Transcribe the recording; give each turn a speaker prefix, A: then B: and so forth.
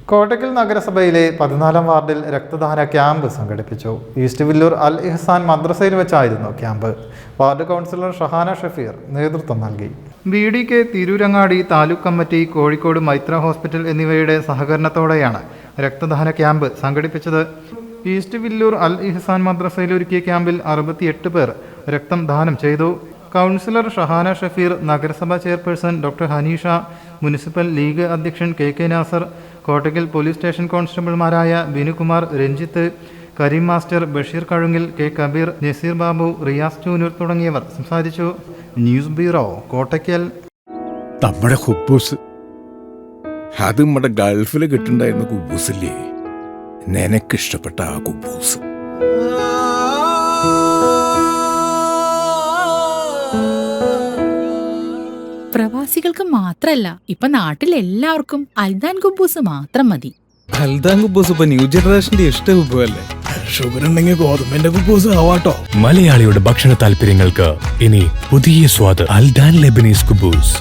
A: കോട്ടക്കൽ നഗരസഭയിലെ 14-ാം വാർഡിൽ രക്തദാന ക്യാമ്പ് സംഘടിപ്പിച്ചു. ഈസ്റ്റ് വില്ലൂർ അൽ ഇഹ്സാൻ മദ്രസയിൽ വെച്ചായിരുന്നു camp. Ward councillor Shahana Shafeer നേതൃത്വം നൽകി. BDK Tirurangadi taluk committee, Kozhikode Maithra hospital എന്നിവയുടെ സഹകരണത്തോടെയാണ് രക്തദാന ക്യാമ്പ് സംഘടിപ്പിച്ചത്. ഈസ്റ്റ് വില്ലൂർ അൽ ഇഹ്സാൻ മദ്രസയിൽ ഒരുക്കിയ ക്യാമ്പിൽ 68 പേർ രക്തം ദാനം ചെയ്തു. കൗൺസിലർ ഷഹാന ഷഫീർ, നഗരസഭാ chairperson doctor Hanisha, municipal league അധ്യക്ഷൻ KK Nasar, Kottakkal police station കോൺസ്റ്റബിൾമാരായ ബിനുകുമാർ, രഞ്ജിത്ത്, കരീം മാസ്റ്റർ, ബഷീർ കഴുങ്ങിൽ, K കബീർ, നസീർ ബാബു, റിയാസ് ചൂനൂർ തുടങ്ങിയവർ സംസാരിച്ചു. News bureau, Kottakkal.
B: നമ്മുടെ കുബൂസ് അത് നമ്മുടെ ഗൾഫിൽ കിട്ടുണ്ടായിരുന്ന കുബൂസില്ലേ, നിനക്കിഷ്ടപ്പെട്ട ആ കുബൂസ്.
C: പ്രവാസികൾക്ക് മാത്രല്ല, ഇപ്പൊ നാട്ടിലെല്ലാവർക്കും അൽദാൻ കുബൂസ് മാത്രം മതി.
D: അൽദാൻ കുബൂസ് ഇപ്പൊ ന്യൂ ജനറേഷന്റെ ഇഷ്ട കുബുവല്ലേ.
B: ഷുഗർ ഉണ്ടെങ്കിൽ ഗോതമ്പിന്റെ കുബൂസ് ആവാട്ടോ.
E: മലയാളിയുടെ ഭക്ഷണ താല്പര്യങ്ങൾക്ക് ഇനി പുതിയ സ്വാദ്. അൽദാൻ ലെബനീസ് കുബൂസ്.